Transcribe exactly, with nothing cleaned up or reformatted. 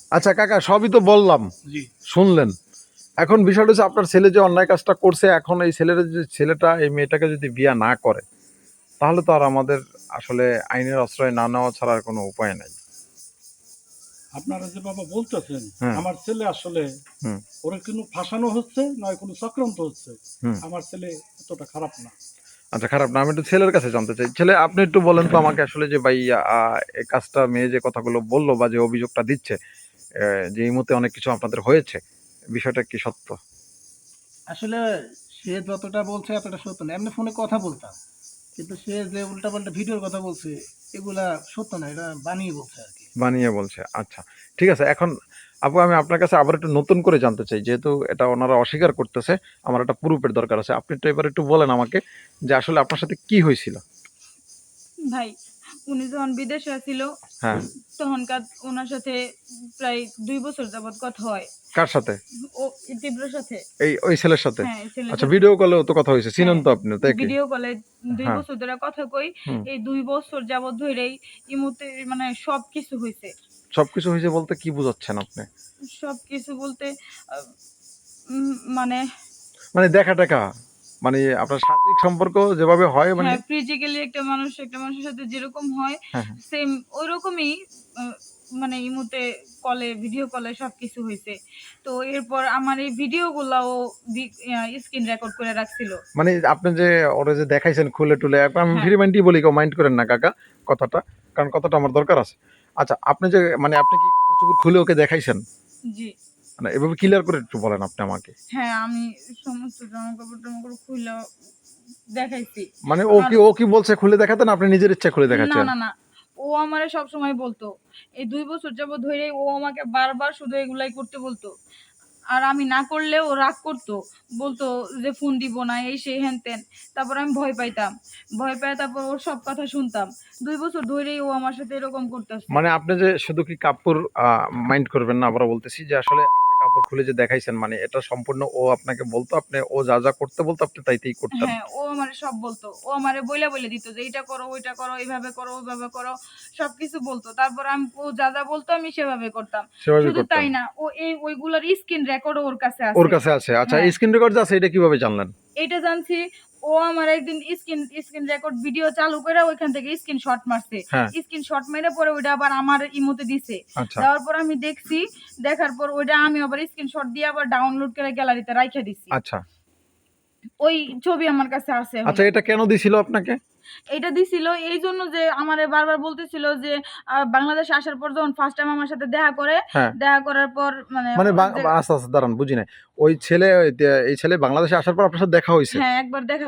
আচ্ছা কাকা, সবই তো বললাম, জি শুনলেন। এখন বিষয়টা হচ্ছে আপনার ছেলে যে অন্যায় কাজটা করছে, এখন এই ছেলের যে ছেলেটা এই মেয়েটাকে যদি বিয়ে না করে, তাহলে তো আর আমাদের আসলে আইনের আশ্রয় না নেওয়া ছাড়া আর কোনো উপায় নাই। আপনারা যে বাবা বলতেছেন, হ্যাঁ। আমার ছেলে আসলে হুম ওরা কোনো ফাঁসানো হচ্ছে নয় কোনো চক্রান্ত হচ্ছে। হুম আমার ছেলে এতটা খারাপ না। আচ্ছা, খারাপ না। আমি একটু ছেলের কাছে জানতে চাই। ছেলে, আপনি একটু বলেন তো আমাকে আসলে যে ভাই, আহ, এই কাজটা মেয়ে যে কথাগুলো বললো বা যে অভিযোগটা দিচ্ছে, আহ, যে এই মুহূর্তে অনেক কিছু আপনাদের হয়েছে, বিষয়টা কি সত্য? আসলে সে যতটা বলছে এতটা সত্য না। এমনি ফোনে কথা বলতাম, কিন্তু সে যে উল্টাপাল্টা ভিডিওর কথা বলছে এগুলা সত্য না, এটা বানিয়ে বলছে আর কি। বানিয়ে বলছে। আচ্ছা, ঠিক আছে। এখন আপু, আমি আপনার কাছে আবার একটু নতুন করে জানতে চাই, যেহেতু এটা ওনারা অস্বীকার করতেছে, আমার একটা প্রুফের দরকার আছে। আপনি তো এবার একটু বলেন আমাকে যে আসলে আপনার সাথে কি হয়েছিল। ভাই, উনি যখন বিদেশে ছিল হ্যাঁ। তখনকার ওনার সাথে প্রায় দুই বছর যাবত কথা হয়। কার সাথে? ও তীব্রর সাথে। এই ওই ছেলের সাথে? হ্যাঁ, এই ছেলের আচ্ছা, সাথে। ভিডিও কলেও তো কথা হয়েছে, চিনেন হ্যাঁ, তো আপনি, তাই কি? ভিডিও কলে দুই হ্যাঁ। বছর ধরে কথা কই। হুম। এই দুই বছর যাবত ধরেই ইমুতে মানে সবকিছু হইছে। সবকিছু হয়েছে বলতে কি বুঝাচ্ছেন আপনি? সবকিছু বলতে আহ, উম, মানে মানে দেখা টাকা, মানে আপনার শারীরিক সম্পর্ক যেভাবে হয়, মানে হ্যাঁ, ফিজিক্যালি একটা মানুষ একটা মানুষের সাথে যেরকম হয় হ্যাঁ হ্যাঁ। সেম ওইরকমই। আহ, মানে ইমুতে কলে ভিডিও কলে সবকিছু হয়েছে। তো এরপর আমার এই ভিডিওগুলাও স্ক্রিন রেকর্ড করে রাখছিল। মানে আপনি যে ওরা যে দেখাইছেন খুলে টুলে, এখন আমি হ্যাঁ। ফ্রি মাইন্ডই বলি, কেউ মাইন্ড করেন না কাকা কথাটা, কারণ কথাটা আমার দরকার আছে। আচ্ছা, আপনি যে মানে আপনি কি কাপড় চোপড় খুলে ওকে দেখাইছেন? জি মানে এভাবে ক্লিয়ার করে একটু বলেন আপনি আমাকে। হ্যাঁ, আমি সমস্ত জামা কাপড় টামা কাপড় খুলে দেখাইছি। মানে ও আর কি ও কি বলছে খুলে দেখাতে, না আপনি নিজের ইচ্ছা খুলে না দেখাচ্ছেন? না না ও আমারে সবসময় বলতো, এই দুই বছর যাবত ধরে ও আমাকে বারবার শুধু এগুলাই করতে বলতো। আর আমি না করলে ও রাগ করতো, বলতো যে ফোন দিব না, এই সেই হ্যান ত্যান। তারপর আমি ভয় পাইতাম, ভয় পাই তারপর ওর সব কথা শুনতাম। দুই বছর ধরেই ও আমার সাথে এরকম করতেছে। মানে আপনি যে শুধু কি কাপড় মাইন্ড করবেন না, আবারও বলতেছি যে আসলে আপনি কাপড় খুলে যে দেখাইছেন, মানে এটা সম্পূর্ণ ও আপনাকে বলতো, আপনি ও যা যা করতে বলতো আপনি তাইতেই করতেন? হ্যাঁ, ও আমারে সব বলতো। ও আমারে বইলা বইলা দিত যে এইটা করো, ওইটা করো, এইভাবে করো, ওইভাবে করো। সবকিছু বলতো। তারপর আমি ও যা, যা বলতো আমি সেভাবে করতাম। সেভাবেই শুধু করতেন? তাই না, ও এই ওইগুলার স্ক্রিন রেকর্ডও ওর কাছে ওর আছে। কাছে আছে? আচ্ছা, হ্যাঁ, স্ক্রিন রেকর্ড আছে, এটা কিভাবে জানলেন? এইটা জানছি ও আমার একদিন স্ক্রিন স্ক্রিন রেকর্ড ভিডিও চালু করে ওইখান থেকে স্ক্রিনশট মারছে। হ্যাঁ। স্ক্রিনশট মেরে পরে ওইটা আবার আমার ইমোতে দিছে। আচ্ছা দেওয়ার পর আমি দেখছি, দেখার পর ওইটা আমি আবার স্ক্রিনশট দিয়ে আবার ডাউনলোড করে গ্যালারিতে রাইখা দিছি। আচ্ছা ওই ছবি আমার কাছে আছে আচ্ছা, এখনো। এটা কেন দিছিল আপনাকে? এটা দিছিল এই জন্য যে আমারে বারবার বলতেছিল যে আহ, বাংলাদেশে আসার পর যখন ফার্স্ট টাইম আমার সাথে দেখা করে, হ্যাঁ। দেখা করার পর মানে মানে ওর বাং- যে আচ্ছা আচ্ছা, দাঁড়ান, বুঝি নাই। ওই ছেলে, এই ছেলে বাংলাদেশে আসার পর আপনার সাথে দেখা হয়েছে? হ্যাঁ একবার দেখা